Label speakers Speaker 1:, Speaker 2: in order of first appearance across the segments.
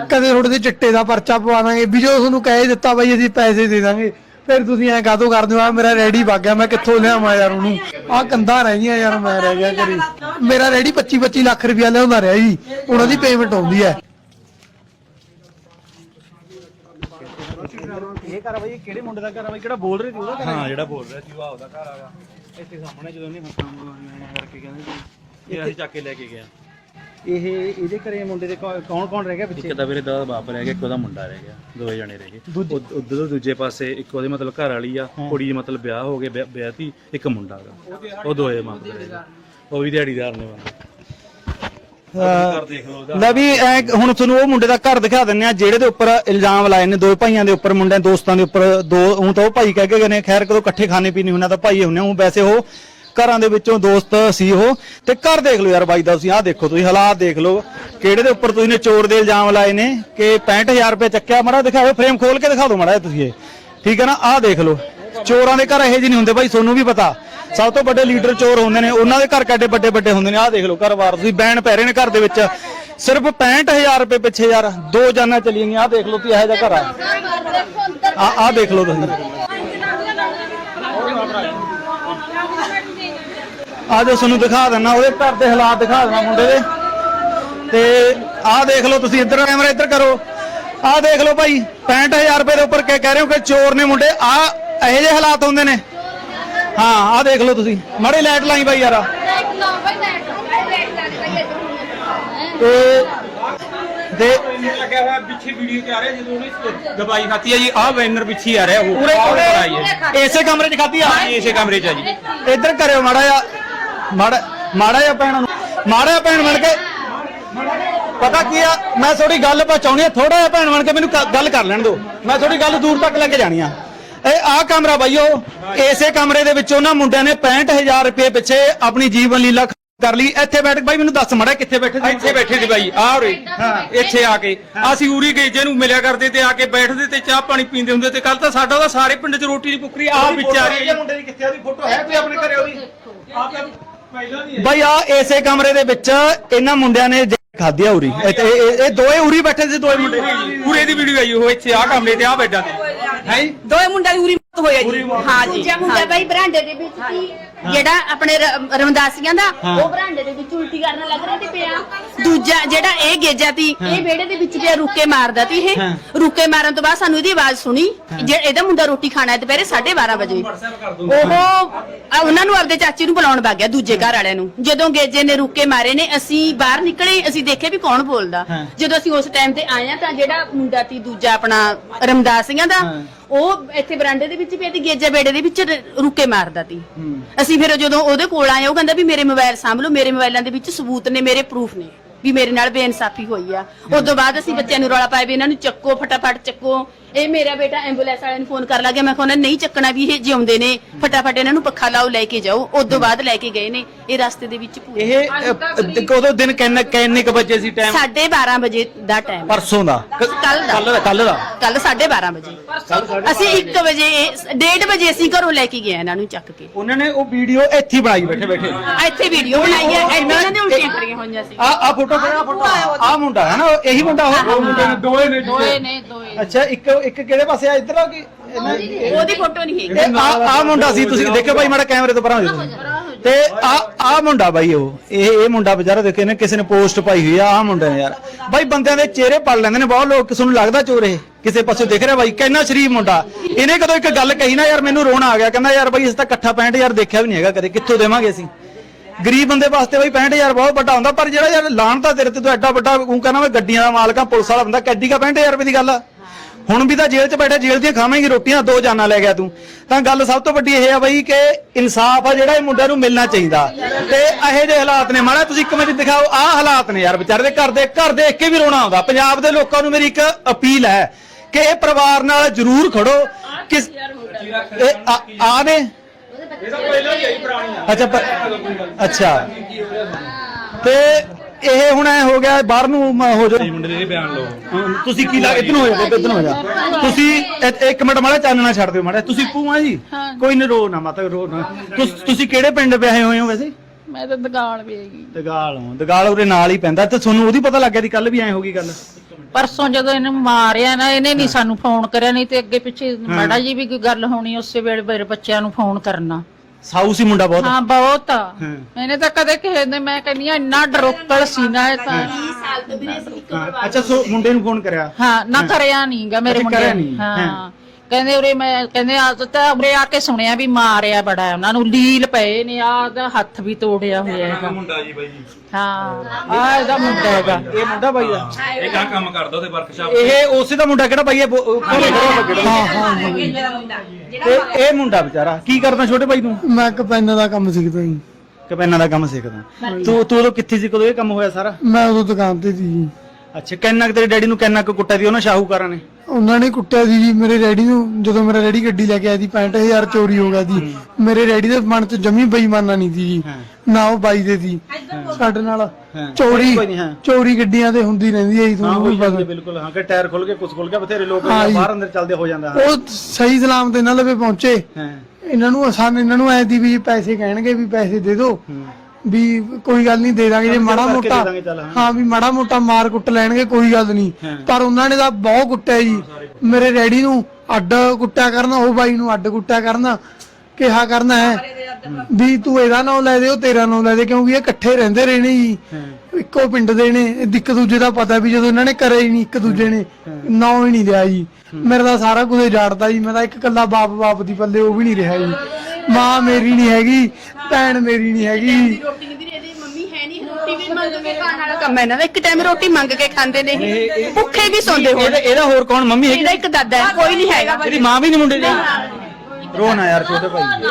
Speaker 1: ਕਦੇ ਥੋੜੇ ਦੇ ਚਿੱਟੇ ਦਾ ਪਰਚਾ ਪਵਾ ਦਾਂਗੇ ਵੀ ਜੋ ਤੁਹਾਨੂੰ ਕਹਿ ਦਿੱਤਾ ਬਾਈ ਅਸੀਂ ਪੈਸੇ ਦੇ ਦਾਂਗੇ ਫਿਰ ਤੁਸੀਂ ਐਂ ਕਾਹਤੋਂ ਕਰਦੇ ਹੋ। ਆ ਮੇਰਾ ਰੈਡੀ ਵਗ ਗਿਆ, ਮੈਂ ਕਿੱਥੋਂ ਲਿਆਵਾਂ ਯਾਰ ਉਹਨੂੰ। ਆਹ ਕੰਧਾਂ ਰਹਿ ਗਈਆਂ ਯਾਰ, ਮੈਂ ਰਹਿ ਗਿਆ ਘਰੇ। ਮੇਰਾ ਰੈਡੀ 25 ਲੱਖ ਰੁਪਇਆ ਲਿਆਉਂਦਾ ਰਿਹਾ ਜੀ, ਉਹਨਾਂ ਦੀ ਪੇਮੈਂਟ ਆਉਂਦੀ ਹੈ।
Speaker 2: ਇਹ ਘਰ ਬਾਈ ਕਿਹੜੇ ਮੁੰਡੇ ਦਾ ਘਰ ਆ ਬਾਈ, ਕਿਹੜਾ ਬੋਲ ਰਿਹਾ ਸੀ ਉਹਦਾ ਘਰ? ਹਾਂ ਜਿਹੜਾ ਬੋਲ ਰਿਹਾ ਸੀ ਉਹ ਆਪਦਾ ਘਰ ਆਗਾ ਇੱਥੇ ਸਾਹਮਣੇ। ਜਦੋਂ ਇਹਨੇ ਹੱਥਾਂ ਕਰਕੇ ਕਹਿੰਦੇ ਸੀ ਇਹ ਅਸੀਂ ਚੱਕ ਕੇ ਲੈ ਕੇ ਗਿਆ। ਇਹਦੇ ਘਰੇ ਮੁੰਡੇ ਦੇ ਕੌਣ ਰਹਿ ਗਿਆ ਪਿੱਛੇ? ਇੱਕ ਤਾਂ ਵੀਰੇ ਦਾ ਬਾਪ ਰਹਿ ਗਿਆ, ਇੱਕ ਉਹਦਾ ਮੁੰਡਾ ਰਹਿ ਗਿਆ, ਦੋਵੇਂ ਜਣੇ ਰਹਿ ਗਏ। ਉਧਰ ਦੂਜੇ ਪਾਸੇ ਇੱਕ ਉਹਦੇ ਮਤਲਬ ਘਰ ਵਾਲੀ ਆ, ਕੁੜੀ ਮਤਲਬ ਵਿਆਹ ਹੋ ਗਏ, ਵਿਆਹਤੀ ਇੱਕ ਮੁੰਡਾ ਗਾ, ਉਹ ਦੋਏ ਮਾਂ ਰਹਿ ਗਏ, ਉਹ ਵੀ ਦਿਹਾੜੀਦਾਰ ਨੇ ਬੰਦੇ।
Speaker 3: ਲੈ ਵੀ ਹੁਣ ਤੁਹਾਨੂੰ ਉਹ ਮੁੰਡੇ ਦਾ ਘਰ ਦਿਖਾ ਦਿੰਦੇ ਆ ਜਿਹੜੇ ਦੇ ਉੱਪਰ ਇਲਜ਼ਾਮ ਲਾਏ ਨੇ ਦੋ ਭਾਈਆਂ ਦੇ ਉੱਪਰ, ਮੁੰਡਿਆਂ ਦੋਸਤਾਂ ਦੇ ਉੱਪਰ। ਹੁਣ ਤਾਂ ਉਹ ਭਾਈ ਕਹਿ ਕੇ ਗਏ ਨੇ, ਖੈਰ ਕਦੋਂ ਇਕੱਠੇ ਖਾਣੇ ਪੀਣੇ ਹੁੰਨਾ ਤਾਂ ਭਾਈ ਹੁੰਨੇ ਉਹ, ਵੈਸੇ ਉਹ ਘਰਾਂ ਦੇ ਵਿੱਚੋਂ ਦੋਸਤ ਸੀ ਉਹ। ਤੇ ਘਰ ਦੇਖ ਲਓ ਯਾਰ ਬਾਈ ਦਾ, ਤੁਸੀਂ ਆਹ ਦੇਖੋ, ਤੁਸੀਂ ਹਾਲਾਤ ਦੇਖ ਲਓ ਕਿਹੜੇ ਦੇ ਉੱਪਰ ਤੁਸੀਂ ਨੇ ਚੋਰ ਦੇ ਇਲਜ਼ਾਮ ਲਾਏ ਨੇ ਕਿ 65,000 ਰੁਪਏ ਚੱਕਿਆ। ਮਾੜਾ ਦਿਖਾਓ, ਫਰੇਮ ਖੋਲ ਕੇ ਦਿਖਾ ਦਿਓ ਮਾੜਾ ਤੁਸੀਂ ਇਹ, ਠੀਕ ਹੈ ਨਾ। ਆਹ ਦੇਖ ਲਓ, ਚੋਰਾਂ ਦੇ ਘਰ ਇਹੋ ਜਿਹੇ ਨਹੀਂ ਹੁੰਦੇ ਭਾਈ, ਤੁਹਾਨੂੰ ਵੀ ਪਤਾ। ਸਭ ਤੋਂ ਵੱਡੇ ਲੀਡਰ ਚੋਰ ਹੁੰਦੇ ਨੇ, ਉਹਨਾਂ ਦੇ ਘਰ ਕਿੱਡੇ ਵੱਡੇ ਵੱਡੇ ਹੁੰਦੇ ਨੇ। ਆਹ ਦੇਖ ਲਓ ਘਰ-ਬਾਰ, ਤੁਸੀਂ ਬੈਨ ਪੈ ਰਹੇ ਨੇ ਘਰ ਦੇ ਵਿੱਚ ਸਿਰਫ 65,000 ਰੁਪਏ ਪਿੱਛੇ ਯਾਰ 2 ਜਾਨਾਂ ਚਲੀਆਂ ਗਈਆਂ। ਆਹ ਦੇਖ ਲਓ ਤੁਸੀਂ ਇਹੋ ਜਿਹਾ ਘਰ ਆ। ਆਹ ਦੇਖ ਲਓ ਤੁਸੀਂ, ਆ ਜੋ ਤੁਹਾਨੂੰ ਦਿਖਾ ਦਿੰਦਾ ਉਹਦੇ ਘਰ ਦੇ ਹਾਲਾਤ ਦਿਖਾ ਦੇਣਾ ਮੁੰਡੇ ਦੇ। ਤੇ ਆਹ ਦੇਖ ਲਓ ਤੁਸੀਂ, ਇੱਧਰ ਕੈਮਰਾ ਇੱਧਰ ਕਰੋ। ਆਹ ਦੇਖ ਲਓ ਭਾਈ 65,000 ਰੁਪਏ ਦੇ ਉੱਪਰ ਕਹਿ ਰਹੇ ਹੋ ਕਿ ਚੋਰ ਨੇ ਮੁੰਡੇ। ਆਹ ਇਹੋ ਜਿਹੇ ਹਾਲਾਤ ਹੁੰਦੇ ਨੇ। ਹਾਂ ਆਹ ਦੇਖ ਲਓ ਤੁਸੀਂ, ਮਾੜੀ ਲਾਈਟ ਲਾਈ ਬਾਈ ਯਾਰ। ਤੇ
Speaker 2: ਲੱਗਿਆ ਹੋਇਆ ਪਿੱਛੇ ਵੀਡੀਓ ਚ ਆ ਰਿਹਾ ਜਦੋਂ ਉਹਨੇ ਦਵਾਈ ਖਾਤੀ ਹੈ ਜੀ। ਆਹ ਬੈਨਰ ਪਿੱਛੇ ਆ ਰਿਹਾ, ਉਹ
Speaker 3: ਇਸੇ ਕਮਰੇ 'ਚ ਖਾਧੀ ਆ,
Speaker 2: ਇਸੇ ਕਮਰੇ 'ਚ ਆ ਜੀ।
Speaker 3: ਇੱਧਰ ਕਰਿਓ ਮਾੜਾ ਜਿਹਾ, ਮਾੜਾ ਜਿਹਾ ਭੈਣ ਨੂੰ, ਮਾੜਾ ਜਿਹਾ ਭੈਣ ਬਣ ਕੇ। ਪਤਾ ਕੀ ਆ, ਮੈਂ ਥੋੜੀ ਗੱਲ ਪਹੁੰਚਾਉਣੀ ਆ, ਥੋੜਾ ਜਿਹਾ ਭੈਣ ਬਣ ਕੇ ਮੈਨੂੰ ਗੱਲ ਕਰ ਲੈਣ ਦਿਓ, ਮੈਂ ਥੋੜੀ ਗੱਲ ਦੂਰ ਤੱਕ ਲੈ ਕੇ ਜਾਣੀ ਆ। ਇਹ ਆਹ ਕਮਰਾ ਬਾਈਓ, ਇਸੇ ਕਮਰੇ ਦੇ ਵਿੱਚ ਉਹਨਾਂ ਮੁੰਡਿਆਂ ਨੇ 65,000 ਰੁਪਏ ਪਿੱਛੇ ਆਪਣੀ ਜੀਵਨ ਲੀਲਾ ਕਰ ਲਈ। ਇੱਥੇ ਬੈਠ ਬਾਈ ਮੈਨੂੰ ਦੱਸ ਮਾੜਾ ਕਿੱਥੇ ਬੈਠੇ ਸੀ?
Speaker 2: ਇੱਥੇ ਬੈਠੇ ਸੀ ਬਾਈ, ਆਹ ਉਰੇ ਇੱਥੇ ਆ ਕੇ ਅਸੀਂ ਉਰੀ ਗਏ ਜਿਹਨੂੰ ਮਿਲਿਆ ਕਰਦੇ ਤੇ ਆ ਕੇ ਬੈਠਦੇ ਤੇ ਚਾਹ ਪਾਣੀ ਪੀਂਦੇ ਹੁੰਦੇ। ਤੇ ਕੱਲ ਤਾਂ ਸਾਡਾ ਤਾਂ ਸਾਰੇ ਪਿੰਡ 'ਚ ਰੋਟੀ ਨਹੀਂ ਪੁੱਕਰੀ। ਆਹ ਵਿੱਚ ਆ ਰਹੀ ਹੈ
Speaker 3: ਮੁੰਡੇ ਦੀ, ਕਿੱਥੇ ਉਹਦੀ ਫੋਟੋ ਹੈ ਕੋਈ ਆਪਣੇ ਘਰੇ ਉਹਦੀ? ਬਾਈ ਆ ਇਸੇ ਕਮਰੇ ਦੇ ਵਿੱਚ ਇਹਨਾਂ ਮੁੰਡਿਆਂ ਨੇ ਖਾਧਿਆ ਉਰੀ। ਇਹ ਦੋਏ ਉਰੀ ਬੈਠੇ ਸੀ, ਦੋਏ ਮੁੰਡੇ
Speaker 2: ਪੂਰੇ ਦੀ ਵੀਡੀਓ ਆਈ ਉਹ ਇੱਥੇ ਆਹ ਕਮਰੇ ਤੇ ਆਹ ਬੈੱਡਾਂ ਤੇ
Speaker 3: ਹੈ।
Speaker 4: ਦੋਏ ਮੁੰਡਿਆਂ ਦੀ ਉਰੀ ਮੌਤ ਹੋਈ ਜੀ। ਹਾਂ ਜੀ, ਦੂਜਾ ਮੁੰਡਾ ਬਾਈ ਬਰਾਂਡੇ ਦੇ ਵਿੱਚ ਸੀ, ਜਿਹੜਾ ਆਪਣੇ ਰਮਦਾਸੀਆਂ ਦਾ, ਉਹ ਬਰਾਂਡੇ ਦੇ ਵਿੱਚ ਉਲਟੀ ਕਰਨ ਲੱਗ ਰਿਹਾ ਤੇ ਪਿਆ। ਦੂਜਾ ਜਿਹੜਾ ਇਹ ਗੇਜਾ ਸੀ, ਇਹ ਵਿਹੜੇ ਦੇ ਵਿੱਚ ਪਿਆ ਰੁਕੇ ਮਾਰਦਾ ਸੀ। ਇਹ ਰੁਕੇ ਮਾਰਨ ਤੋਂ ਬਾਅਦ ਸਾਨੂੰ ਇਹਦੀ ਆਵਾਜ਼ ਸੁਣੀ, ਇਹਦਾ ਮੁੰਡਾ ਰੋਟੀ ਖਾਣਾ ਹੈ ਦੁਪਹਿਰੇ 12:30 ਵਜੇ। ਉਹ ਉਹਨਾਂ ਨੂੰ ਆਪਦੇ ਚਾਚੀ ਨੂੰ ਬੁਲਾਉਣ ਵਗ ਗਿਆ, ਦੂਜੇ ਘਰ ਵਾਲਿਆਂ ਨੂੰ। ਜਦੋਂ ਗੇਜੇ ਨੇ ਰੁਕੇ ਮਾਰੇ ਨੇ, ਅਸੀਂ ਬਾਹਰ ਨਿਕਲੇ, ਅਸੀਂ ਦੇਖਿਆ ਵੀ ਕੌਣ ਬੋਲਦਾ। ਜਦੋਂ ਅਸੀਂ ਉਸ ਟਾਈਮ ਤੇ ਆਏ ਤਾਂ ਜਿਹੜਾ ਮੁੰਡਾ ਸੀ ਦੂਜਾ ਆਪਣਾ ਰਮਦਾਸੀਆਂ ਦਾ, ਉਹ ਇੱਥੇ ਬਰਾਂਡੇ ਦੇ ਵਿੱਚ ਪਿਆ ਤੇ ਗੇਜਾ ਬੇੜੇ ਦੇ ਵਿੱਚ ਰੁਕੇ ਮਾਰਦਾ ਸੀ। ਅਸੀਂ ਫਿਰ ਜਦੋਂ ਉਹਦੇ ਕੋਲ ਆਏ, ਉਹ ਕਹਿੰਦਾ ਵੀ ਮੇਰੇ ਮੋਬਾਈਲ ਸਾਂਭ ਲਓ, ਮੇਰੇ ਮੋਬਾਈਲਾਂ ਦੇ ਵਿੱਚ ਸਬੂਤ ਨੇ, ਮੇਰੇ ਪ੍ਰੂਫ ਨੇ ਵੀ ਮੇਰੇ ਨਾਲ ਬੇਇਨਸਾਫੀ ਹੋਈ ਆ। ਉਸ ਤੋਂ ਬਾਅਦ ਅਸੀਂ ਬੱਚਿਆਂ ਨੂੰ ਰੌਲਾ ਪਾਇਆ ਵੀ ਇਹਨਾਂ ਨੂੰ ਚੱਕੋ, ਫਟਾਫਟ ਚੱਕੋ। ਇਹ ਮੇਰਾ ਬੇਟਾ ਐਂਬੂਲੈਂਸ ਵਾਲਿਆਂ ਨੂੰ ਫੋਨ ਕਰ ਲੱਗਾ, ਮੈਂ ਕਿਹਾ ਨਹੀਂ ਚੱਕਣਾ, ਵੀ ਇਹ ਜਿਉਂਦੇ ਨੇ, ਫਟਾਫਟ ਇਹਨਾਂ ਨੂੰ ਪੱਖਾ ਲਾਓ, ਲੈ ਕੇ ਜਾਓ। ਉਸ ਤੋਂ ਬਾਅਦ ਲੈ ਕੇ ਗਏ ਨੇ। ਇਹ ਰਸਤੇ ਦੇ ਵਿੱਚ
Speaker 3: ਇਹ ਉਦੋਂ ਦਿਨ ਕਿੰਨੇ ਕੁ ਵਜੇ ਸੀ ਟਾਈਮ?
Speaker 4: 12:30 ਵਜੇ ਦਾ ਟਾਈਮ,
Speaker 3: ਪਰਸੋਂ ਦਾ, ਕੱਲ
Speaker 4: 12:30 ਵਜੇ। ਅਸੀਂ 1 ਵਜੇ 1:30 ਵਜੇ ਅਸੀਂ ਘਰੋਂ ਲੈ ਕੇ ਗਏ ਇਹਨਾਂ ਨੂੰ ਚੱਕ ਕੇ।
Speaker 3: ਉਹਨਾਂ ਨੇ ਉਹ ਵੀਡੀਓ ਇੱਥੇ ਹੀ ਬਣਾਈ ਬੈਠੇ ਬੈਠੇ,
Speaker 4: ਇੱਥੇ ਵੀਡੀਓ ਬਣਾਈ ਹੈ, ਇਹਨਾਂ ਦੇ ਉਲਟੀਆਂ ਕਰੀਆਂ ਹੋਈਆਂ ਸੀ।
Speaker 3: ਆ ਫੋਟੋ, ਆ ਮੁੰਡਾ ਹੈ ਨਾ, ਇਹੀ ਮੁੰਡਾ ਉਹ ਮੁੰਡੇ ਨੇ, ਦੋਏ ਨੇ। ਅੱਛਾ, ਇੱਕ ਕਿਹੜੇ ਪਾਸੇ ਆ, ਇੱਧਰ ਆ ਕਿ
Speaker 4: ਉਹਦੀ ਫੋਟੋ ਨਹੀਂ ਹੈਗੀ।
Speaker 3: ਆ ਮੁੰਡਾ ਸੀ, ਤੁਸੀਂ ਦੇਖਿਓ ਬਾਈ ਮਾੜਾ ਕੈਮਰੇ ਤੋਂ ਪਰਾਂ ਹੋ ਜਾਓ। ਤੇ ਆ ਮੁੰਡਾ ਬਾਈ, ਇਹ ਮੁੰਡਾ ਵਿਚਾਰਾ ਦੇਖੇ ਨੇ, ਕਿਸੇ ਨੇ ਪੋਸਟ ਪਾਈ ਹੋਈ ਆ। ਆ ਮੁੰਡੇ ਨੇ ਯਾਰ ਬਾਈ ਬੰਦਿਆਂ ਦੇ ਚਿਹਰੇ ਪੜ ਲੈਂਦੇ ਨੇ ਬਹੁਤ ਲੋਕ, ਕਿਸੇ ਨੂੰ ਲੱਗਦਾ ਚੋਰ ਇਹ ਕਿਸੇ ਪਾਸੇ ਦਿਖ ਰਿਹਾ ਬਾਈ, ਕਿੰਨਾ ਸ਼ਰੀਫ ਮੁੰਡਾ। ਇਹਨੇ ਕਦੋਂ ਇੱਕ ਗੱਲ ਕਹੀ ਨਾ ਯਾਰ, ਮੈਨੂੰ ਰੋਣਾ ਆ ਗਿਆ। ਕਹਿੰਦਾ ਯਾਰ ਬਾਈ ਅਸੀਂ ਤਾਂ ਇਕੱਠਾ 65,000 ਦੇਖਿਆ ਵੀ ਨਹੀਂ ਹੈਗਾ ਕਦੇ, ਕਿੱਥੋਂ ਦੇਵਾਂਗੇ ਅਸੀਂ? ਗਰੀਬ ਬੰਦੇ ਵਾਸਤੇ ਬਾਈ 65,000 ਬਹੁਤ ਵੱਡਾ ਹੁੰਦਾ, ਪਰ ਜਿਹੜਾ ਯਾਰ ਲਾਣ ਤਾਂ ਤੇਰੇ ਤੇ ਤੂੰ ਐਡਾ ਵੱਡਾ ਉਹ ਕਹਿੰਦਾ ਮੈਂ ਗੱਡੀਆਂ ਦਾ ਮਾਲਕਾਂ ਪੁਲਿਸ ਵਾਲਾ ਬੰਦਾ, ਕੈਡੀ ਕਾ 65,000 ਰੁਪਏ ਦੀ ਗੱਲ ਆ। ਹੁਣ ਵੀ ਤਾਂ ਜੇਲ੍ਹ 'ਚ ਬੈਠਾ, ਜੇਲ੍ਹ ਦੀਆਂ ਖਾਵੇਂਗੀ ਰੋਟੀਆਂ, 2 ਜਾਨਾਂ ਲੈ ਗਿਆ ਤੂੰ। ਤਾਂ ਗੱਲ ਸਭ ਤੋਂ ਵੱਡੀ ਇਹ ਆ ਬਾਈ ਕਿ ਇਨਸਾਫ ਆ ਜਿਹੜਾ ਇਹ ਮੁੰਡਿਆਂ ਨੂੰ ਮਿਲਣਾ ਚਾਹੀਦਾ। ਤੇ ਇਹੋ ਜਿਹੇ ਹਾਲਾਤ ਨੇ, ਮਾੜਾ ਤੁਸੀਂ ਇੱਕ ਮਿੰਟ ਦਿਖਾਓ। ਆਹ ਹਾਲਾਤ ਨੇ ਯਾਰ ਵਿਚਾਰੇ ਦੇ, ਘਰ ਦੇਖ ਕੇ ਵੀ ਰੋਣਾ ਆਉਂਦਾ। ਪੰਜਾਬ ਦੇ ਲੋਕਾਂ ਨੂੰ ਮੇਰੀ ਇੱਕ ਅਪੀਲ ਹੈ ਕਿ ਇਹ ਪਰਿਵਾਰ ਨਾਲ ਜ਼ਰੂਰ ਖੜੋ। ਕਿਸ ਆ ਨੇ ਅੱਛਾ, ਤੇ ਇਹ ਹੁਣ ਐ ਹੋ ਗਿਆ ਬਾਹਰ ਨੂੰ ਹੋ ਜਾ।
Speaker 2: ਮੁੰਡੇ ਦੇ ਬਿਆਨ ਲਓ
Speaker 3: ਤੁਸੀਂ ਕੀ ਲਾ, ਇੱਧਰ ਨੂੰ ਹੋ ਜਾ, ਇੱਧਰ ਨੂੰ ਹੋ ਜਾ। ਤੁਸੀਂ ਇੱਕ ਮਿੰਟ ਮਾੜਾ ਚਾਨਣਾ ਛੱਡ ਦਿਓ ਮਾੜਾ। ਤੁਸੀਂ ਪੂਆ ਜੀ, ਕੋਈ ਨਾ ਰੋ ਨਾ ਮਾਤਾ, ਰੋ ਨਾ। ਤੁਸੀਂ ਕਿਹੜੇ ਪਿੰਡ ਵਿਆਹੇ ਹੋਏ ਹੋ ਵੈਸੇ?
Speaker 5: ਮੈਂ ਤਾਂ ਦਗਾਲ ਵੀ ਹੈਗੀ।
Speaker 3: ਦਗਾਲ ਉਰੇ ਨਾਲ ਹੀ ਪੈਂਦਾ। ਤੇ ਤੁਹਾਨੂੰ ਉਹਦੀ ਪਤਾ ਲੱਗ ਗਿਆ ਦੀ ਕੱਲ ਵੀ ਐ ਹੋ ਗਈ ਗੱਲ?
Speaker 5: ਪਰਸੋਂ ਜਦੋਂ ਇਹਨੂੰ ਮਾਰਿਆ ਨਾ ਇਹਨੇ ਨਹੀਂ ਸਾਨੂੰ ਫੋਨ ਕਰਿਆ, ਨਹੀਂ ਤੇ ਅੱਗੇ ਪਿੱਛੇ ਮਾੜਾ ਜੀ ਵੀ ਕੋਈ ਗੱਲ ਹੋਣੀ ਉਸੇ ਵੇਲੇ ਮੇਰੇ ਬੱਚਿਆਂ ਨੂੰ ਫੋਨ ਕਰਨਾ।
Speaker 3: ਸਾਊ ਸੀ ਮੁੰਡਾ ਬਹੁਤ।
Speaker 5: ਹਾਂ ਬਹੁਤ ਆ। ਇਹਨੇ ਤਾਂ ਕਦੇ ਕਿਸੇ ਨੇ ਮੈਂ ਕਹਿੰਦੀ ਆ ਇੰਨਾ ਡਰੋਕਲ ਸੀ ਨਾ ਇਹ ਤਾਂ।
Speaker 4: 20 ਸਾਲ ਤੋਂ ਵੀਰੇ ਅਸੀਂ ਇੱਕ ਪਰਿਵਾਰ
Speaker 3: ਅੱਛਾ ਸੋ ਮੁੰਡੇ ਨੂੰ ਫੋਨ ਕਰਿਆ?
Speaker 5: ਹਾਂ ਨਾ ਕਰਿਆ ਨਹੀਂਗਾ ਮੇਰੇ
Speaker 3: ਅੱਛਾ,
Speaker 5: ਮੁੰਡੇ
Speaker 3: ਕਰਿਆ
Speaker 5: ਨੇ।
Speaker 3: ਨੀ,
Speaker 5: ਹਾਂ ਕਹਿੰਦੇ ਉਰੇ ਮੈਂ ਕਹਿੰਦੇ ਆ ਤਾਂ ਉਰੇ ਆ ਕੇ ਸੁਣਿਆ ਵੀ ਮਾਰਿਆ ਬੜਾ ਉਹਨਾਂ ਨੂੰ, ਲੀਲ ਪਏ ਨੇ, ਆ ਦਾ ਹੱਥ ਵੀ ਤੋੜਿਆ ਹੋਇਆ ਹੈਗਾ।
Speaker 2: ਮੁੰਡਾ ਜੀ ਬਾਈ ਜੀ,
Speaker 5: ਹਾਂ ਆ ਇਹਦਾ ਮੁੰਡਾ ਹੈਗਾ।
Speaker 3: ਇਹ ਮੁੰਡਾ ਬਾਈ ਦਾ?
Speaker 2: ਇਹ ਕੰਮ ਕਰਦਾ ਉਹਦੇ ਵਰਕਸ਼ਾਪ
Speaker 3: ਇਹ ਉਸੇ ਦਾ ਮੁੰਡਾ ਕਿਹੜਾ ਬਾਈ? ਤੇ ਇਹ ਮੁੰਡਾ ਵਿਚਾਰਾ ਕੀ ਕਰਦਾ ਛੋਟੇ ਬਾਈ ਨੂੰ?
Speaker 1: ਮੈਂ ਕਪੈਨਾਂ ਦਾ ਕੰਮ ਸਿੱਖਦਾ ਜੀ।
Speaker 3: ਕਪੈਨਾਂ ਦਾ ਕੰਮ ਸਿੱਖਦਾ। ਤੂੰ ਉਦੋਂ ਕਿੱਥੇ ਸੀ ਕਦੋਂ ਇਹ ਕੰਮ ਹੋਇਆ ਸਾਰਾ?
Speaker 1: ਮੈਂ ਉਦੋਂ ਦੁਕਾਨ ਤੇ ਸੀ ਜੀ।
Speaker 3: ਅੱਛਾ ਕਿੰਨਾ ਕੁ ਤੇਰੇ ਡੈਡੀ ਨੂੰ ਕਿੰਨਾ ਕੁ ਕੁੱਟਿਆ ਸੀ ਉਹਨਾਂ ਸ਼ਾਹੂਕਾਰਾਂ ਨੇ?
Speaker 1: ਉਹਨਾਂ ਨੇ ਕੁੱਟਿਆ ਸੀ ਜੀ ਮੇਰੇ ਡੈਡੀ ਨੂੰ। ਜਦੋਂ ਮੇਰਾ ਡੈਡੀ ਗੱਡੀ ਲੈ ਕੇ ਆਇਆ ਸੀ 65,000 ਚੋਰੀ ਹੋ ਗਿਆ ਸੀ। ਮੇਰੇ ਡੈਡੀ ਦੇ ਮਨ 'ਚ ਜਮੀ ਬੇਈਮਾਨਾ ਨਹੀਂ ਸੀ ਜੀ, ਨਾ ਉਹ ਬਾਈ ਦੇ ਸੀ। ਸਾਡੇ ਨਾਲ ਚੋਰੀ ਗੱਡੀਆਂ ਤੇ ਹੁੰਦੀ ਰਹਿੰਦੀ ਹੈ ਜੀ, ਤੁਹਾਨੂੰ ਵੀ ਪਤਾ।
Speaker 3: ਬਿਲਕੁਲ ਹਾਂ ਕਿ ਟਾਇਰ ਖੁੱਲ ਕੇ ਕੁਝ ਖੁੱਲ ਗਿਆ, ਬਥੇਰੇ ਲੋਕ
Speaker 1: ਹਾਂ ਜੀ।
Speaker 3: ਬਾਹਰ ਅੰਦਰ ਚੱਲਦੇ ਹੋ ਜਾਂਦਾ।
Speaker 1: ਉਹ ਸਹੀ ਸਲਾਮਤ ਇਹਨਾਂ ਲਵੇ ਪਹੁੰਚੇ। ਇਹਨਾਂ ਨੂੰ ਐ ਦੀ ਵੀ ਪੈਸੇ ਕਹਿਣਗੇ ਵੀ ਪੈਸੇ ਦੇ ਦਿਓ, ਵੀ ਕੋਈ ਗੱਲ ਨਹੀਂ ਦੇ ਦਾਂਗੇ ਜੇ ਮਾੜਾ ਮੋਟਾ। ਹਾਂ ਵੀ ਮਾੜਾ ਮੋਟਾ ਮਾਰ ਕੁੱਟ ਲੈਣਗੇ ਕੋਈ ਗੱਲ ਨਹੀਂ, ਪਰ ਉਹਨਾਂ ਨੇ ਤਾਂ ਬਹੁਤ ਕੁੱਟਿਆ ਜੀ। ਮੇਰੇ ਡੈਡੀ ਨੂੰ ਅੱਡ ਕੁੱਟਿਆ ਕਰਨਾ, ਉਹ ਬਾਈ ਨੂੰ ਅੱਡ ਕੁੱਟਿਆ ਕਰਨਾ, ਕਿਹਾ ਕਰਨਾ ਹੈ ਵੀ ਤੂੰ ਇਹਦਾ ਨਾਂ ਲੈ ਦੇ, ਉਹ ਤੇਰਾ ਨਾਂ ਲੈ ਦੇ, ਕਿਉਂਕਿ ਇਹ ਇਕੱਠੇ ਰਹਿੰਦੇ ਰਹੇ ਨੇ ਜੀ, ਇੱਕੋ ਪਿੰਡ ਦੇ ਨੇ। ਇੱਕ ਦੂਜੇ ਦਾ ਪਤਾ ਵੀ ਜਦੋਂ ਇਹਨਾਂ ਨੇ ਕਰੇ ਹੀ ਨਹੀਂ, ਇੱਕ ਦੂਜੇ ਨੇ ਨਾਂ ਹੀ ਨਹੀਂ ਲਿਆ ਜੀ। ਮੇਰਾ ਤਾਂ ਸਾਰਾ ਕੁਝ ਜਾੜਦਾ ਜੀ। ਮੈਂ ਤਾਂ ਇੱਕ ਕੱਲਾ ਬਾਪ ਦੀ ਪੱਲੇ ਉਹ ਵੀ ਨਹੀਂ ਰਿਹਾ ਜੀ। ਮਾਂ ਮੇਰੀ ਨਹੀਂ ਹੈਗੀ, ਭੈਣ ਮੇਰੀ ਨਹੀਂ ਹੈਗੀ।
Speaker 4: ਰੋਟੀ ਨਹੀਂ ਵੀਰੇ, ਇਹਦੀ ਮੰਮੀ ਹੈ ਨਹੀਂ, ਰੋਟੀ ਵੀ ਮੰਗ ਕੇ ਖਾਣ ਵਾਲਾ ਕੰਮ ਹੈ ਇਹਨਾਂ ਦਾ। ਇੱਕ ਟਾਈਮ ਰੋਟੀ ਮੰਗ ਕੇ ਖਾਂਦੇ ਨੇ, ਭੁੱਖੇ ਵੀ ਸੌਂਦੇ ਹੋਣ।
Speaker 3: ਇਹਦਾ ਹੋਰ ਕੌਣ? ਮੰਮੀ ਹੈਗੀ?
Speaker 4: ਇਹਦਾ ਇੱਕ ਦਾਦਾ ਹੈ, ਕੋਈ ਨਹੀਂ ਹੈਗਾ।
Speaker 3: ਇਹਦੀ ਮਾਂ ਵੀ ਨਹੀਂ ਮੁੰਡੇ ਦੀ? ਰੋਣਾ ਯਾਰ ਛੋਟੇ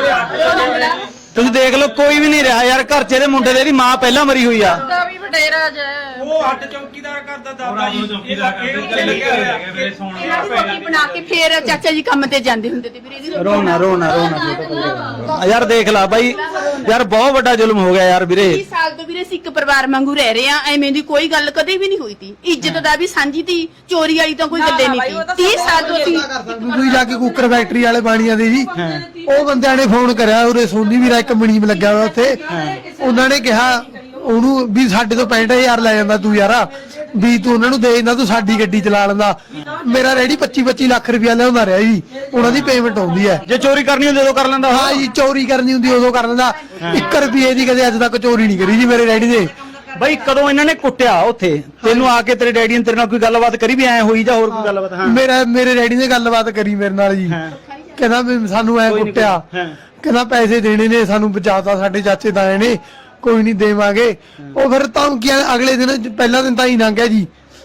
Speaker 3: ਭਾਈ, ਤੁਸੀਂ ਦੇਖ ਲਓ ਕੋਈ ਵੀ ਨਹੀਂ ਰਿਹਾ ਯਾਰ ਘਰ 'ਚ। ਇਹਦੇ ਮੁੰਡੇ ਦੇ ਇਹਦੀ ਮਾਂ ਪਹਿਲਾਂ ਮਰੀ ਹੋਈ ਆ।
Speaker 5: ਦਾ ਵੀ ਵਡੇਰਾ ਜੇ
Speaker 6: ਉਹ ਅੱਡ ਚੌਕੀਦਾਰ ਕਰਦਾ ਦਾਦਾ ਜੀ।
Speaker 2: ਚੌਕੀਦਾਰ ਕਰਦੇ ਲੱਗੇ ਹੋਏ ਹੈਗੇ ਮੇਰੇ ਸੌਣ
Speaker 4: ਇਹਨਾਂ ਦੀ ਰੋਟੀ ਬਣਾ ਕੇ ਫੇਰ ਚਾਚਾ ਜੀ ਕੰਮ ਤੇ ਜਾਂਦੇ ਹੁੰਦੇ ਤੇ ਵੀਰੇ ਇਹਦੀ ਰੋਟੀ
Speaker 3: ਰੋਣਾ ਛੋਟੇ ਭਾਈ ਯਾਰ ਦੇਖ ਲਾ ਬਾਈ, ਯਾਰ ਬਹੁਤ ਵੱਡਾ ਜ਼ੁਲਮ ਹੋ ਗਿਆ ਯਾਰ ਵੀਰੇ।
Speaker 4: 20 ਸਾਲ ਤੋਂ ਵੀਰੇ ਅਸੀਂ ਇੱਕ ਪਰਿਵਾਰ ਵਾਂਗੂ ਰਹਿ ਰਹੇ ਆ। ਐਵੇਂ ਦੀ ਕੋਈ ਗੱਲ ਕਦੇ ਵੀ ਨਹੀਂ ਹੋਈ ਤੀ। ਇੱਜ਼ਤ ਦਾ ਵੀ ਸਾਂਝੀ ਤੀ, ਚੋਰੀ ਵਾਲੀ ਤਾਂ ਕੋਈ ਗੱਲੇ ਨਹੀਂ ਤੀ। 30 ਸਾਲ ਤੋਂ ਅਸੀਂ
Speaker 1: ਤੁਸੀਂ ਜਾ ਕੇ ਕੁੱਕਰ ਫੈਕਟਰੀ ਵਾਲੇ ਬਾਣੀਆਂ ਦੇ ਜੀ, ਉਹ ਬੰਦਿਆਂ ਨੇ ਫੋਨ ਕਰਿਆ, ਉਰੇ ਸੋਨੀ ਵੀਰਾ ਇੱਕ ਮਣੀਮ ਲੱਗਿਆ ਹੋਇਆ ਉੱਥੇ। ਉਹਨਾਂ ਨੇ ਕਿਹਾ ਉਹਨੂੰ ਵੀ ਸਾਡੇ ਤੋਂ 65,000 ਲੈ ਜਾਂਦਾ ਤੂੰ ਯਾਰਾ, ਵੀ ਤੂੰ ਉਹਨਾਂ ਨੂੰ ਦੇ ਦਿੰਦਾ, ਤੂੰ ਸਾਡੀ ਗੱਡੀ ਚਲਾ ਲੈਂਦਾ। ਮੇਰਾ ਰੈਡੀ 25-25 ਲੱਖ ਰੁਪਇਆ ਲਿਆਉਂਦਾ ਰਿਹਾ ਜੀ, ਉਹਨਾਂ ਦੀ ਪੇਮੈਂਟ ਆਉਂਦੀ ਹੈ।
Speaker 3: ਜੇ ਚੋਰੀ ਕਰਨੀ ਹੁੰਦੀ ਉਦੋਂ ਕਰ ਲੈਂਦਾ।
Speaker 1: ਹਾਂ ਜੀ, ਚੋਰੀ ਕਰਨੀ ਹੁੰਦੀ ਉਦੋਂ ਕਰ ਲੈਂਦਾ। 1 ਰੁਪਏ ਦੀ ਕਦੇ ਅੱਜ ਤੱਕ ਚੋਰੀ ਨਹੀਂ ਕਰੀ ਜੀ ਮੇਰੇ ਰੈਡੀ ਦੇ।
Speaker 3: ਬਾਈ ਕਦੋਂ ਇਹਨਾਂ ਨੇ ਕੁੱਟਿਆ ਉੱਥੇ ਤੈਨੂੰ ਆ ਕੇ? ਤੇਰੇ ਡੈਡੀ ਨੇ ਤੇਰੇ ਨਾਲ ਕੋਈ ਗੱਲਬਾਤ ਕਰੀ ਵੀ ਐ ਹੋਈ ਜਾਂ ਹੋਰ ਕੋਈ ਗੱਲਬਾਤ? ਹਾਂ
Speaker 1: ਮੇਰੇ ਡੈਡੀ ਨੇ ਗੱਲਬਾਤ ਕਰੀ ਮੇਰੇ ਨਾਲ ਜੀ। ਕਹਿੰਦਾ ਵੀ ਸਾਨੂੰ ਐ ਕੁੱਟਿਆ, ਕਹਿੰਦਾ ਪੈਸੇ ਦੇਣੇ ਨੇ, ਸਾਨੂੰ ਬਚਾਤਾ ਸਾਡੇ ਚਾਚੇ ਤਾਏ ਨੇ, ਕੋਈ ਨਹੀਂ ਦੇਵਾਂਗੇ। ਉਹ ਫਿਰ ਧਮਕੀਆਂ ਅਗਲੇ ਦਿਨ, ਪਹਿਲਾ ਦਿਨ ਤਾਂ ਹੀ ਲੰਘ ਗਿਆ ਜੀ,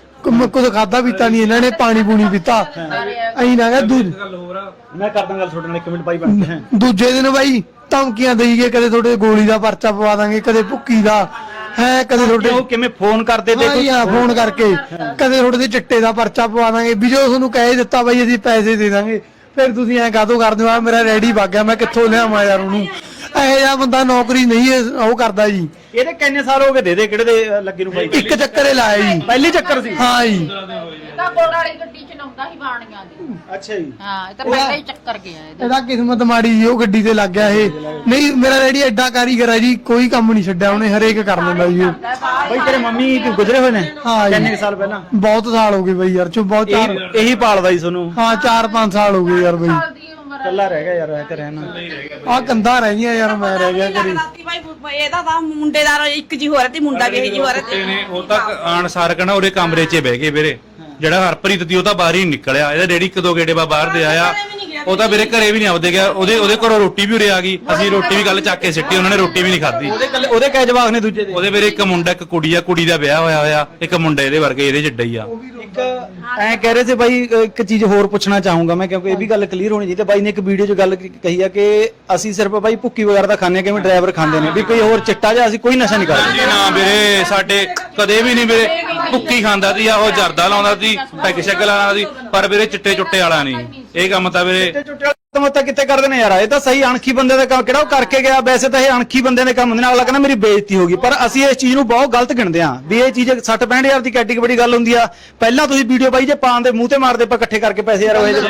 Speaker 1: ਕੁਝ ਖਾਦਾ ਪੀਤਾ ਨਹੀਂ ਇਹਨਾਂ ਨੇ, ਪਾਣੀ ਪੂਣੀ ਪੀਤਾ ਅਹੀਂ ਲੰਘ ਗਿਆ।
Speaker 3: ਮੈਂ ਕਰਦਾ ਗੱਲ ਤੁਹਾਡੇ ਨਾਲ 1 ਮਿੰਟ ਬਾਈ ਬਣ ਕੇ।
Speaker 1: ਦੂਜੇ ਦਿਨ ਬਾਈ ਧਮਕੀਆਂ ਦੇਈ ਗਏ, ਕਦੇ ਤੁਹਾਡੇ ਗੋਲੀ ਦਾ ਪਰਚਾ ਪਵਾ ਦਾਂਗੇ, ਕਦੇ ਭੁੱਕੀ ਦਾ ਹੈ, ਕਦੇ ਤੁਹਾਡੇ
Speaker 3: ਉਹ ਕਿਵੇਂ ਫੋਨ ਕਰਦੇ ਤੇ
Speaker 1: ਫੋਨ ਕਰਕੇ, ਕਦੇ ਤੁਹਾਡੇ ਦੇ ਚਿੱਟੇ ਦਾ ਪਰਚਾ ਪਵਾ ਦਾਂਗੇ। ਵੀ ਜੋ ਤੁਹਾਨੂੰ ਕਹਿ ਦਿੱਤਾ ਬਾਈ ਅਸੀਂ ਪੈਸੇ ਦੇ ਦਾਂਗੇ, ਫਿਰ ਤੁਸੀਂ ਐਂ ਕਾਹਤੋਂ ਕਰਦੇ ਹੋ? ਆ ਮੇਰਾ ਰੈਡੀ ਵਗ ਗਿਆ, ਮੈਂ ਕਿੱਥੋਂ ਲਿਆਵਾਂ ਯਾਰ ਉਹਨੂੰ? ਇਹੋ ਜਿਹਾ ਬੰਦਾ ਨੌਕਰੀ ਨਹੀਂ ਉਹ ਕਰਦਾ ਜੀ।
Speaker 3: ਇਹਦੇ ਕਿੰਨੇ ਸਾਲ ਹੋ ਗਏ ਦੇ ਕਿਹੜੇ ਦੇ ਲੱਗੇ ਨੂੰ ਬਾਈ?
Speaker 1: ਇੱਕ ਚੱਕਰ ਹੀ ਲਾਇਆ ਜੀ,
Speaker 3: ਪਹਿਲੀ ਚੱਕਰ ਸੀ।
Speaker 1: ਹਾਂ ਜੀ।
Speaker 5: ਤਾਂ ਗੋੜ ਵਾਲੀ ਗੱਡੀ ਚਲਾਉਂਦਾ ਸੀ ਬਾਣੀਆਂ ਦੀ।
Speaker 3: ਅੱਛਾ ਜੀ।
Speaker 5: ਹਾਂ ਇਹ ਤਾਂ ਪਹਿਲਾਂ ਹੀ ਚੱਕਰ ਗਿਆ ਇਹਦਾ।
Speaker 1: ਇਹਦਾ ਕਿਸਮਤ ਮਾੜੀ ਜੀ, ਉਹ ਗੱਡੀ ਤੇ ਲੱਗ ਗਿਆ ਇਹ। ਨਹੀਂ ਮੇਰਾ ਰੈਡੀ ਐਡਾ ਕਾਰੀਗਰ ਹੈ ਜੀ, ਕੋਈ ਕੰਮ ਨਹੀਂ ਛੱਡਿਆ ਉਹਨੇ, ਹਰੇਕ ਕਰ ਲੈਂਦਾ ਜੀ ਉਹ।
Speaker 3: ਬਾਈ ਤੇਰੇ ਮੰਮੀ ਗੁਜ਼ਰੇ ਹੋਏ ਨੇ?
Speaker 1: ਹਾਂ ਜੀ।
Speaker 3: ਕਿੰਨੇ ਸਾਲ ਪਹਿਲਾਂ?
Speaker 1: ਬਹੁਤ ਸਾਲ ਹੋ ਗਏ ਬਾਈ ਯਾਰ, ਚੋ ਬਹੁਤ
Speaker 3: ਇਹੀ ਪਾਲਦਾ ਜੀ ਤੁਹਾਨੂੰ?
Speaker 1: ਹਾਂ 4-5 ਸਾਲ ਹੋ ਗਏ ਯਾਰ ਬਾਈ।
Speaker 3: ਕੱਲਾ ਰਹਿ ਗਿਆ ਯਾਰ ਐ ਤੇ ਰਹਿਣਾ।
Speaker 1: ਆ ਕੰਧਾਂ ਰਹਿ ਗਈਆਂ ਯਾਰ, ਮੈਂ ਰਹਿ ਗਿਆ ਘਰੇ।
Speaker 7: ਭਾਈ ਇਹਦਾ ਤਾਂ ਮੁੰਡੇ ਦਾ ਇੱਕ ਜੀ ਹੋ ਰਿਹਾ ਤੇ ਮੁੰਡਾ ਵੀ ਇਹ ਜੀ ਹੋ ਰਿਹਾ ਤੇ
Speaker 2: ਨੇ ਉਹ ਤਾਂ ਆਣ ਸਾਰ ਕਹਣਾ ਉਹਦੇ ਕਮਰੇ 'ਚ ਬਹਿ ਗਏ ਵੀਰੇ। ਜਿਹੜਾ ਹਰਪ੍ਰੀਤ ਦੀ ਉਹ ਤਾਂ ਬਾਹਰ ਹੀ ਨਿਕਲਿਆ, ਇਹਦਾ ਡੈਡੀ 1-2 ਗੇੜੇ ਬਾਹਰ ਦੇ ਆਇਆ, ਉਹ ਤਾਂ ਵੀਰੇ ਘਰੇ ਵੀ ਨਹੀਂ ਆਉਦੇ ਗਿਆ। ਉਹਦੇ ਘਰੋਂ ਰੋਟੀ ਵੀ ਉਰੇ ਆ ਗਈ, ਅਸੀਂ ਰੋਟੀ ਵੀ ਗੱਲ ਚੱਕ ਕੇ ਸਿੱਟੀ, ਉਹਨਾਂ ਨੇ ਰੋਟੀ ਵੀ ਨਹੀਂ ਖਾਧੀ।
Speaker 3: ਉਹਦੇ ਕੈ ਜਵਾਕ ਨੇ ਦੂਜੇ ਦੇ?
Speaker 2: ਉਹਦੇ ਵੀਰੇ ਇੱਕ ਮੁੰਡਾ ਇੱਕ ਕੁੜੀ ਆ, ਕੁੜੀ ਦਾ ਵਿਆਹ ਹੋਇਆ, ਇੱਕ ਮੁੰਡਾ ਇਹਦੇ ਵਰਗੇ ਇਹਦੇ ਜਿੱਡਾ ਹੀ ਆ।
Speaker 3: ਇੱਕ ਐ ਕਹਿ ਰਹੇ ਸੀ ਬਾਈ, ਇੱਕ ਚੀਜ਼ ਹੋਰ ਪੁੱਛਣਾ ਚਾਹੂੰਗਾ ਮੈਂ, ਕਿਉਂਕਿ ਇਹ ਵੀ ਗੱਲ ਕਲੀਅਰ ਹੋਣੀ ਚਾਹੀਦੀ। ਬਾਈ ਨੇ ਇੱਕ ਵੀਡੀਓ 'ਚ ਗੱਲ ਕਹੀ ਆ ਕਿ ਅਸੀਂ ਸਿਰਫ ਬਾਈ ਭੁੱਕੀ ਵਗੈਰਾ ਦਾ ਖਾਂਦੇ, ਕਿਵੇਂ ਡਰਾਈਵਰ ਖਾਂਦੇ ਨੇ, ਵੀ ਕੋਈ ਹੋਰ ਚਿੱਟਾ ਜਾਂ ਅਸੀਂ ਕੋਈ ਨਸ਼ਾ ਨਹੀਂ ਕਰਦੇ।
Speaker 2: ਜੀ ਨਾ ਵੀਰੇ, ਸਾਡੇ ਕਦੇ ਵੀ ਨਹੀਂ ਵੀਰੇ। ਭੁੱਕੀ ਖਾਂਦਾ ਸੀ, ਉਹ ਜਰਦਾ ਲਾਉਂਦਾ ਸੀ, ਪੈਗ ਸ਼ੈਗ ਲਾਉਂਦਾ ਸੀ, ਪਰ ਵੀਰੇ ਚਿੱਟੇ ਚੁੱਟੇ ਵਾਲਾ ਨਹੀਂ। ਇਹ ਕੰਮ ਤਾਂ ਵੀਰੇ
Speaker 3: ਮਤਾ ਕਿੱਥੇ ਕਰਦੇ ਨੇ ਯਾਰ? ਇਹ ਤਾਂ ਸਹੀ ਅਣਖੀ ਬੰਦੇ ਦਾ ਕੰਮ, ਕਿਹੜਾ ਉਹ ਕਰਕੇ ਗਿਆ? ਵੈਸੇ ਤਾਂ ਇਹ ਅਣਖੀ ਬੰਦੇ ਦੇ ਕੰਮ ਹੁੰਦੇ ਨੇ। ਅਗਲਾ ਕਹਿੰਦਾ ਮੇਰੀ ਬੇਇੱਜ਼ਤੀ ਹੋ ਗਈ, ਪਰ ਅਸੀਂ ਇਸ ਚੀਜ਼ ਨੂੰ ਬਹੁਤ ਗਲਤ ਗਿਣਦੇ ਹਾਂ ਵੀ ਇਹ ਚੀਜ਼ 60-65 ਹਜ਼ਾਰ ਦੀ ਕੈਟੇਗਰੀ ਬੜੀ ਗੱਲ ਹੁੰਦੀ ਆ। ਪਹਿਲਾਂ ਤੁਸੀਂ ਵੀਡੀਓ ਬਾਈ ਜੇ ਪਾਣ ਦੇ ਮੂੰਹ ਤੇ ਮਾਰਦੇ ਆਪਾਂ ਇਕੱਠੇ ਕਰਕੇ ਪੈਸੇ ਯਾਰ ਹੋਏ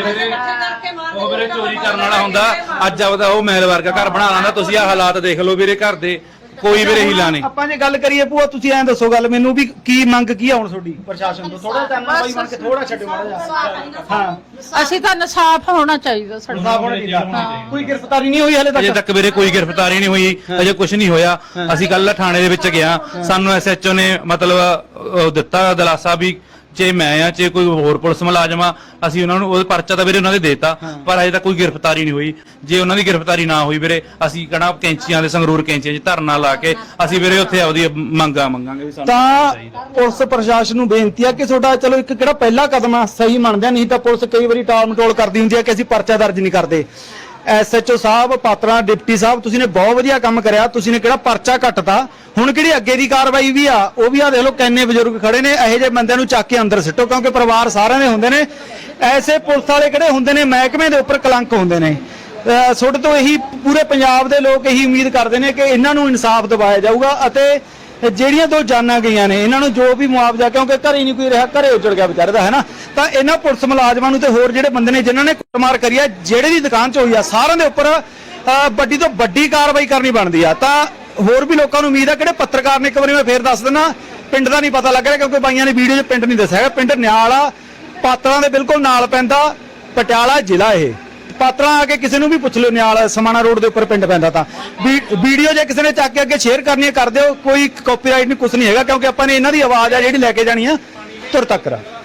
Speaker 2: ਉਹ ਵੀਰੇ ਚੋਰੀ ਕਰਨ ਵਾਲਾ ਹੁੰਦਾ, ਅੱਜ ਆਪਦਾ ਉਹ ਮਹਿਲ ਵਰਗਾ ਘਰ ਬਣਾ ਲੈਂਦਾ। ਤੁਸੀਂ ਆ ਹਾਲਾਤ ਦੇਖ ਲਓ ਵੀਰੇ ਘਰ ਦੇ, ਕੋਈ ਵੀਰੇ ਹੀਲਾ ਨਹੀਂ।
Speaker 3: ਆਪਾਂ ਜੇ ਗੱਲ ਕਰੀਏ ਭੂਆ ਤੁਸੀਂ ਐਂ ਦੱਸੋ ਗੱਲ ਮੈਨੂੰ ਵੀ ਕੀ ਮੰਗ ਕੀ ਆ ਹੁਣ ਤੁਹਾਡੀ ਪ੍ਰਸ਼ਾਸਨ ਤੋਂ? ਥੋੜਾ ਟਾਈਮ ਬਾਈ ਬਣ ਕੇ ਥੋੜਾ ਛੱਡੋ ਮਾੜਾ ਜਿਹਾ। ਹਾਂ
Speaker 5: ਅਸੀਂ ਤਾਂ ਇਨਸਾਫ ਹੋਣਾ ਚਾਹੀਦਾ ਸਾਡਾ।
Speaker 3: ਸਾਫ ਹੋਣਾ ਚਾਹੀਦਾ। ਕੋਈ ਗ੍ਰਿਫਤਾਰੀ ਨਹੀਂ ਹੋਈ ਹਲੇ
Speaker 2: ਅਜੇ
Speaker 3: ਤੱਕ?
Speaker 2: ਤੱਕ ਵੀਰੇ ਕੋਈ ਗ੍ਰਿਫਤਾਰੀ ਨਹੀਂ ਹੋਈ, ਅਜੇ ਕੁਝ ਨਹੀਂ ਹੋਇਆ। ਅਸੀਂ ਕੱਲ ਥਾਣੇ ਦੇ ਵਿੱਚ ਗਿਆ, ਸਾਨੂੰ ਐਸਐਚਓ ਨੇ ਮਤਲਬ ਦਿੱਤਾ ਦਿਲਾਸਾ ਵੀ ਜੇ ਮੈਂ ਆ ਜੇ ਕੋਈ ਹੋਰ ਪੁਲਿਸ ਮੁਲਾਜ਼ਮ ਆ ਅਸੀਂ ਉਹਨਾਂ ਨੂੰ ਉਹ ਪਰਚਾ ਤਾਂ ਵੀਰੇ ਉਹਨਾਂ ਦੇ ਦੇਤਾ, ਪਰ ਅਜੇ ਤੱਕ ਕੋਈ ਗ੍ਰਿਫਤਾਰੀ ਨਹੀਂ ਹੋਈ। ਜੇ ਉਹਨਾਂ ਦੀ ਗ੍ਰਿਫਤਾਰੀ ਨਾ ਹੋਈ ਵੀਰੇ ਅਸੀਂ ਕਹਣਾ ਕੈਂਚੀਆਂ ਦੇ ਸੰਗਰੂਰ ਕੈਂਚੀਆਂ 'ਚ ਧਰਨਾ ਲਾ ਕੇ ਅਸੀਂ ਵੀਰੇ ਉੱਥੇ ਆਪਦੀ ਮੰਗਾਂਗੇ ਵੀ ਸਾਨੂੰ
Speaker 3: ਤਾਂ ਪੁਲਿਸ ਪ੍ਰਸ਼ਾਸਨ ਨੂੰ ਬੇਨਤੀ ਆ ਕਿ ਤੁਹਾਡਾ ਚਲੋ ਇੱਕ ਕਿਹੜਾ ਪਹਿਲਾ ਕਦਮ ਆ ਸਹੀ ਮੰਨਦੇ ਆ, ਨਹੀਂ ਤਾਂ ਪੁਲਿਸ ਕਈ ਵਾਰੀ ਟਾਲ ਮਟੋਲ ਕਰਦੀ ਹੁੰਦੀ ਆ ਕਿ ਅਸੀਂ ਪਰਚਾ ਦਰਜ ਨਹੀਂ ਕਰਦੇ। ਐਸਐਚਓ ਸਾਹਿਬ ਪਾਤਰਾ ਡਿਪਟੀ ਸਾਹਿਬ ਤੁਸੀਂ ਨੇ ਬਹੁਤ ਵਧੀਆ ਕੰਮ ਕਰਿਆ, ਤੁਸੀਂ ਨੇ ਕਿਹੜਾ ਪਰਚਾ ਕੱਟਤਾ। ਹੁਣ ਕਿਹੜੀ ਅੱਗੇ ਦੀ ਕਾਰਵਾਈ ਵੀ ਆ ਉਹ ਵੀ ਆ ਦੇਖ ਲਓ ਕਿੰਨੇ ਬਜ਼ੁਰਗ ਖੜੇ ਨੇ, ਇਹੋ ਜਿਹੇ ਬੰਦਿਆਂ ਨੂੰ ਚੱਕ ਕੇ ਅੰਦਰ ਸਿੱਟੋ ਕਿਉਂਕਿ ਪਰਿਵਾਰ ਸਾਰਿਆਂ ਦੇ ਹੁੰਦੇ ਨੇ। ਐਸੇ ਪੁਲਿਸ ਵਾਲੇ ਕਿਹੜੇ ਹੁੰਦੇ ਨੇ ਮਹਿਕਮੇ ਦੇ ਉੱਪਰ ਕਲੰਕ ਹੁੰਦੇ ਨੇ। ਤੁਹਾਡੇ ਤੋਂ ਇਹੀ ਪੂਰੇ ਪੰਜਾਬ ਦੇ ਲੋਕ ਇਹੀ ਉਮੀਦ ਕਰਦੇ ਨੇ ਕਿ ਇਹਨਾਂ ਨੂੰ ਇਨਸਾਫ ਦਿਵਾਇਆ ਜਾਊਗਾ ਅਤੇ ਜਿਹੜੀਆਂ 2 ਜਾਨਾਂ ਗਈਆਂ ਨੇ ਇਹਨਾਂ ਨੂੰ ਜੋ ਵੀ ਮੁਆਵਜ਼ਾ, ਕਿਉਂਕਿ ਘਰੇ ਨਹੀਂ ਕੋਈ ਰਿਹਾ, ਘਰੇ ਉਜੜ ਗਿਆ ਵਿਚਾਰੇ ਦਾ ਹੈ ਨਾ, ਤਾਂ ਇਹਨਾਂ ਪੁਲਿਸ ਮੁਲਾਜ਼ਮਾਂ ਨੂੰ ਤੇ ਹੋਰ ਜਿਹੜੇ ਬੰਦੇ ਨੇ ਜਿਨ੍ਹਾਂ ਨੇ ਕੁੱਟਮਾਰ ਕਰੀ ਆ ਜਿਹੜੇ ਦੀ ਦੁਕਾਨ 'ਚ ਹੋਈ ਆ ਸਾਰਿਆਂ ਦੇ ਉੱਪਰ ਵੱਡੀ ਤੋਂ ਵੱਡੀ ਕਾਰਵਾਈ ਕਰਨੀ ਬਣਦੀ ਆ। ਤਾਂ ਹੋਰ ਵੀ ਲੋਕਾਂ ਨੂੰ ਉਮੀਦ ਆ, ਕਿਹੜੇ ਪੱਤਰਕਾਰ ਨੇ ਇੱਕ ਵਾਰੀ ਮੈਂ ਫੇਰ ਦੱਸ ਦਿੰਦਾ ਪਿੰਡ ਦਾ ਨਹੀਂ ਪਤਾ ਲੱਗ ਰਿਹਾ ਕਿਉਂਕਿ ਬਾਈਆਂ ਨੇ ਵੀਡੀਓ 'ਚ ਪਿੰਡ ਨਹੀਂ ਦੱਸਿਆ ਹੈਗਾ। ਪਿੰਡ ਨਿਆਲ ਆ, ਪਾਤਰਾਂ ਦੇ ਬਿਲਕੁਲ ਨਾਲ ਪੈਂਦਾ, ਪਟਿਆਲਾ ਜ਼ਿਲ੍ਹਾ। ਇਹ ਪਾਤਰਾਂ ਆ ਕੇ ਕਿਸੇ ਨੂੰ ਵੀ ਪੁੱਛ ਲਿਓ, ਨਿਆਲ ਸਮਾਣਾ ਰੋਡ ਦੇ ਉੱਪਰ ਪਿੰਡ ਪੈਂਦਾ। ਤਾਂ ਵੀਡੀਓ ਜੇ ਕਿਸੇ ਨੇ ਚੱਕ ਕੇ ਅੱਗੇ ਸ਼ੇਅਰ ਕਰਨੀ ਹੈ ਕਰ ਦਿਓ, ਕੋਈ ਕਾਪੀਰਾਈਟ ਨਹੀਂ ਕੁਝ ਨਹੀਂ ਹੈਗਾ ਕਿਉਂਕਿ ਆਪਾਂ ਨੇ ਇਹਨਾਂ ਦੀ ਆਵਾਜ਼ ਆ ਜਿਹੜੀ ਲੈ ਕੇ ਜਾਣੀ ਆ ਤੁਰ ਤੱਕ।